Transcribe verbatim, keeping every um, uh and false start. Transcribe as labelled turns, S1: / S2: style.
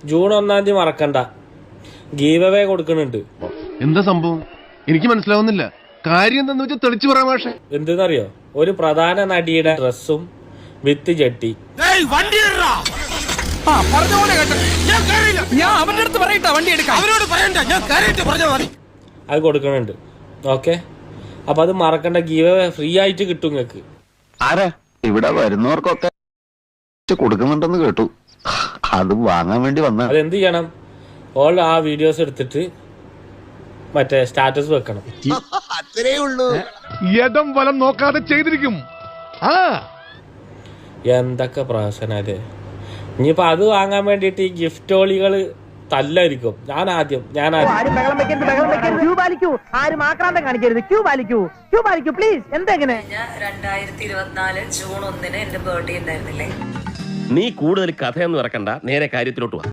S1: June ഒന്നാം തീയതി മറക്കണ്ട, ഗീവ് അവേ കൊടുക്കുന്നുണ്ട്.
S2: എന്താ സംഭവം എനിക്ക് മനസ്സിലാവുന്നില്ല. കാര്യം എന്താന്ന് വെച്ചാൽ തെളിച്ചു പറയാം. പക്ഷേ
S1: എന്തെന്നറിയോ, ഒരു പ്രധാന നടിയുടെ ഡ്രസ്സും വിത്ത് ജട്ടി അത് കൊടുക്കണുണ്ട്. ഓക്കെ, അപ്പൊ അത് മറക്കണ്ട, ഗീവ് അവേ ഫ്രീ ആയിട്ട് കിട്ടും നിങ്ങക്ക്.
S3: ആരാ ഇവിടെ വരുന്നവർക്കൊക്കെ കൊടുക്കുന്നുണ്ടെന്ന് കേട്ടു. അത് വാങ്ങാൻ വേണ്ടി വന്ന.
S1: അതെന്ത് ചെയ്യണം, ഓൾ ആ വീഡിയോസ് എടുത്തിട്ട് മറ്റേ സ്റ്റാറ്റസ് വെക്കണം.
S3: അത്രേ ഉള്ളൂ.
S2: യഥം വലം നോക്കാതെ ചെയ്തിരിക്കും. ആ
S1: എന്തൊക്കെ പ്രഹസനല്ലേ. ഇനിയിപ്പോ അത് വാങ്ങാൻ വേണ്ടിട്ട് ഈ ഗിഫ്റ്റ് ഓളികള് തല്ലായിരിക്കും. ഞാൻ ആദ്യം ഞാൻ ആദ്യം
S4: രണ്ടായിരത്തി ഇരുപത്തിനാല് ജൂൺ ഒന്നിന് എന്റെ ബർത്ത്ഡേ ഉണ്ടായിരുന്നില്ലേ?
S5: നീ കൂടുതൽ കഥയൊന്നും ഇറക്കണ്ട, നേരെ കാര്യത്തിലോട്ട് വാ.